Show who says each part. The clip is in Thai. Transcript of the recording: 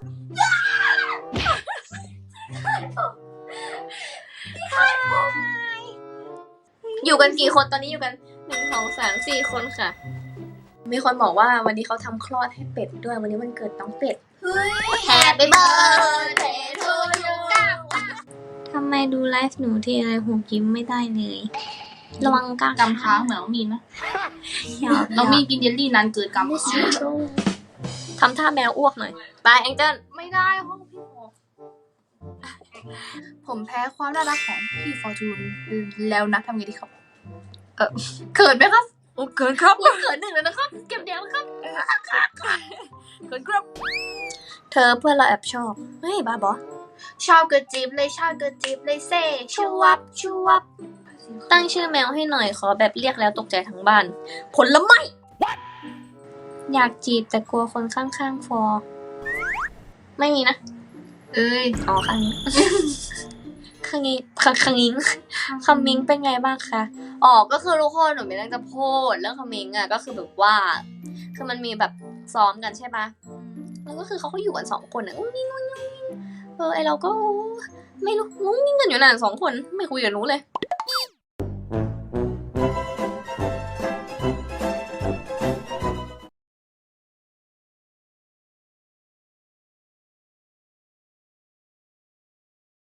Speaker 1: อยู่กันกี่คนตอนนี้อยู่กัน1 2 3 4 คนค่ะมีคนบอกว่าวันนี้เขาทำคลอดให้เป็ดด้วยวันนี้วันเกิดน้องเป็ด Happy birthday to you ทำไมดูไลฟ์หนูที่อะไรหูยิ้มไม่ได้เลยระวังกำ
Speaker 2: ค้างเหมือนน้องมีนนะน้องมีนกินเยลลี่นานเกินกำค้าง
Speaker 1: ทำท่าแมวอ้วกหน่อยไปแองเจิล
Speaker 2: ไม่ได้ห้องพี่ผมแพ้ความน่ารักของพี่ฟอร์จูนแล้วนะทำไงดีครับเขินไหมครับ
Speaker 1: โอ้เกินครับ
Speaker 2: เขิน1แล้วนะครับเก็บเดียวครับเขินครับ
Speaker 1: เธอเพื่อนเราแอบชอบเฮ้ยบ้าบอ
Speaker 2: ชอบกระจิบเลยชอบกระจิบเลยเซ่ชูวับชูวับ
Speaker 1: ตั้งชื่อแมวให้หน่อยขอแบบเรียกแล้วตกใจทั้งบ้านผลไม้อยากจีบแต่กลัวคนข้างๆฟอไม่มีนะอ๋อข้างนี้ข้างนี้ข้างนี้คำมิงเป็นไงบ้างคะอ๋อก็คือทุกคนหนูมีเรื่องจะพูดเรื่องคำมิงอ่ะก็คือแบบว่าคือมันมีแบบซ้อมกันใช่ปะแล้วก็คือเขาก็อยู่กัน2 คนอ่ะงุ้งงิ้งไอเราก็ไม่รู้งุ้งงิ้งกันอยู่นาน2 คนไม่คุยกับหนูเลย